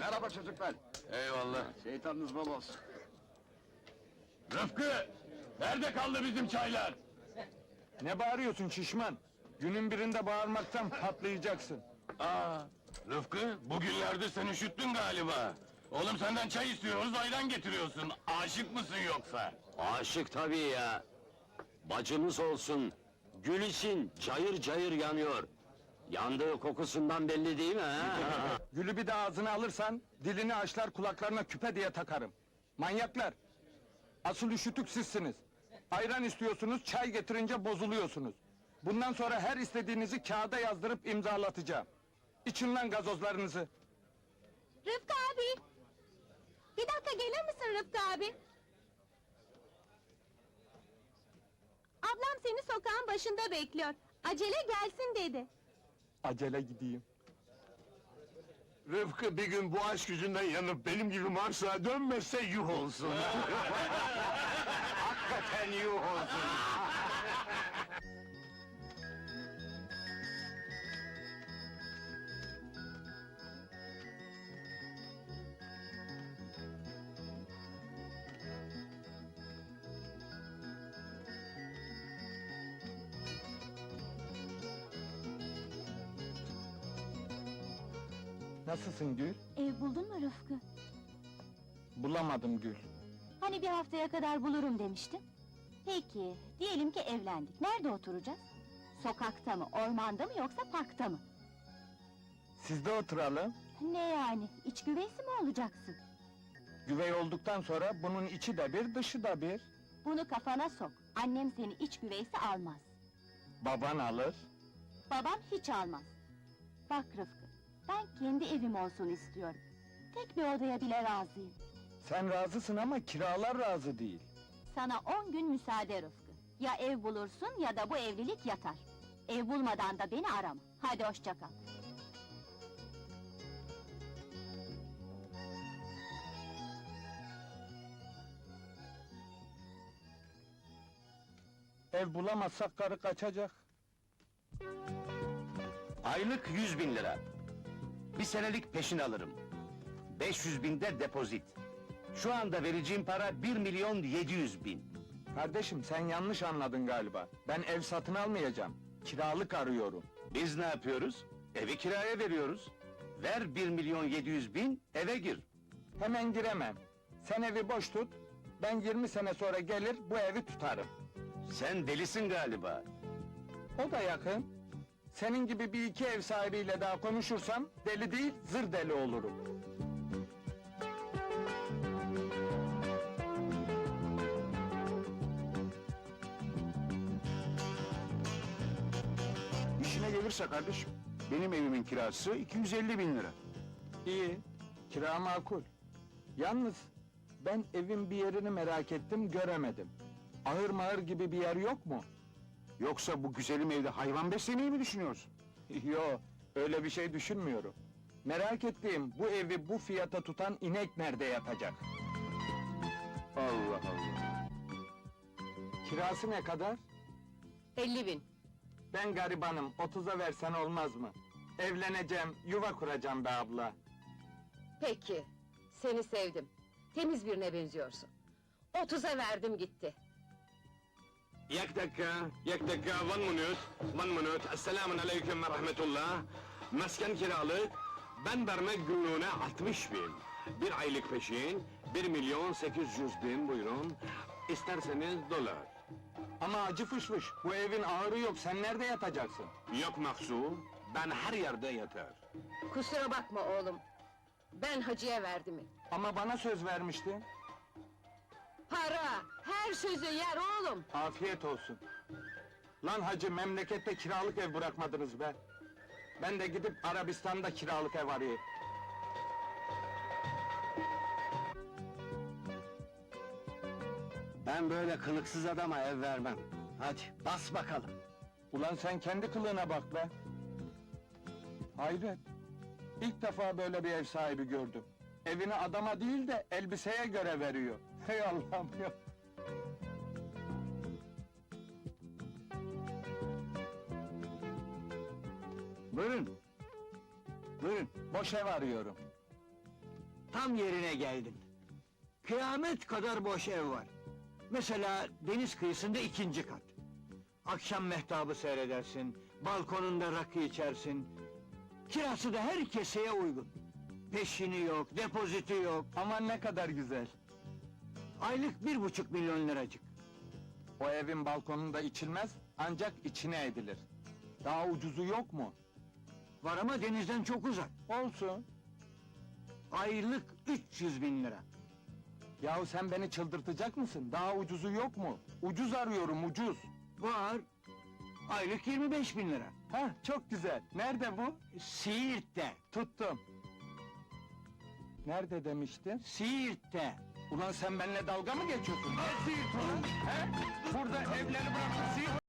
Merhaba çocuklar. Eyvallah. Şeytanınız bol olsun. Rıfkı! Nerede kaldı bizim çaylar? Ne bağırıyorsun şişman? Günün birinde bağırmaktan patlayacaksın. Rıfkı, bugünlerde sen üşüttün galiba. Oğlum senden çay istiyoruz, ayran getiriyorsun. Aşık mısın yoksa? Aşık tabii ya. Bacımız olsun. Gül için cayır cayır yanıyor. Yandığı kokusundan belli değil mi ha? Gülü bir de ağzına alırsan, dilini açlar kulaklarına küpe diye takarım. Manyaklar! Asıl üşütük sizsiniz. Ayran istiyorsunuz, çay getirince bozuluyorsunuz. Bundan sonra her istediğinizi kağıda yazdırıp imzalatacağım. İçin lan gazozlarınızı. Rıfkı abi! Bir dakika gelir misin Rıfkı abi? Ablam seni sokağın başında bekliyor. Acele gelsin dedi. Acele gideyim. Rıfkı bir gün bu aşk yüzünden yanıp benim gibi Mars'a dönmezse yuh olsun. Hakikaten yuh olsun. Nasılsın Gül? Ev buldun mu Rıfkı? Bulamadım Gül. Hani bir haftaya kadar bulurum demiştin. Peki, diyelim ki evlendik. Nerede oturacağız? Sokakta mı, ormanda mı yoksa parkta mı? Sizde oturalım. Ne yani, iç güveysi mi olacaksın? Güvey olduktan sonra bunun içi de bir, dışı da bir. Bunu kafana sok. Annem seni iç güveysi almaz. Baban alır. Babam hiç almaz. Bak Rıfkı, ben kendi evim olsun istiyorum. Tek bir odaya bile razıyım. Sen razısın ama kiralar razı değil. Sana 10 gün müsaade Rıfkı. Ya ev bulursun ya da bu evlilik yatar. Ev bulmadan da beni arama. Hadi hoşça kal. Ev bulamazsak karı kaçacak. Aylık 100.000 lira. Bir senelik peşin alırım. 500.000 de depozit. Şu anda vereceğim para 1.700.000. Kardeşim sen yanlış anladın galiba. Ben ev satın almayacağım. Kiralık arıyorum. Biz ne yapıyoruz? Evi kiraya veriyoruz. Ver 1.700.000, eve gir. Hemen giremem. Sen evi boş tut. Ben 20 sene sonra gelir bu evi tutarım. Sen delisin galiba. O da yakın. Senin gibi bir iki ev sahibiyle daha konuşursam deli değil zır deli olurum. İşine gelirse kardeşim, benim evimin kirası 250.000 lira. İyi. Kira makul. Yalnız ben evin bir yerini merak ettim göremedim. Ahır mahır gibi bir yer yok mu? Yoksa bu güzelim evde hayvan beslemeyi mi düşünüyorsun? Yo, öyle bir şey düşünmüyorum. Merak ettiğim bu evi bu fiyata tutan inek nerede yatacak? Allah Allah! Kirası ne kadar? 50.000. Ben garibanım, 30'a versen olmaz mı? Evleneceğim, yuva kuracağım be abla. Peki, seni sevdim. Temiz birine benziyorsun. 30'a verdim gitti. Yak dakika, one minute. Esselamun aleyküm ve rahmetullah. Mesken kiralık, ben vermek günlüğüne 60.000. Bir aylık peşin, 1.800.000 buyurun. İsterseniz dolar. Ama acı fışfış, bu evin ağırı yok, sen nerede yatacaksın? Yok Maksu, ben her yerde yatar. Kusura bakma oğlum. Ben hacıya verdim. Ama bana söz vermiştin. Para, her sözü yer oğlum. Afiyet olsun. Lan hacı, memlekette kiralık ev bırakmadınız be. Ben de gidip Arabistan'da kiralık ev arayayım. Ben böyle kılıksız adama ev vermem. Hadi, bas bakalım. Ulan sen kendi kılığına bak be! Hayret! İlk defa böyle bir ev sahibi gördüm. Evini adama değil de elbiseye göre veriyor. Hey Allah'ım ya! Buyurun. Buyurun. Boş ev arıyorum. Tam yerine geldin. Kıyamet kadar boş ev var. Mesela deniz kıyısında 2. kat. Akşam mehtabı seyredersin, balkonunda rakı içersin. Kirası da her keseye uygun. Peşini yok, depoziti yok. Aman ne kadar güzel. Aylık 1,5 milyon liracık. O evin balkonunda içilmez, ancak içine edilir. Daha ucuzu yok mu? Var ama denizden çok uzak. Olsun. Aylık 300 bin lira. Yahu sen beni çıldırtacak mısın? Daha ucuzu yok mu? Ucuz arıyorum, ucuz. Var. Aylık 25 bin lira. Hah, çok güzel. Nerede bu? Siirt'te. Tuttum. Nerede demiştin? Siirt'te. Ulan sen benimle dalga mı geçiyorsun? Ne Siirt ulan? He? Burada evleri bırakıp Siirt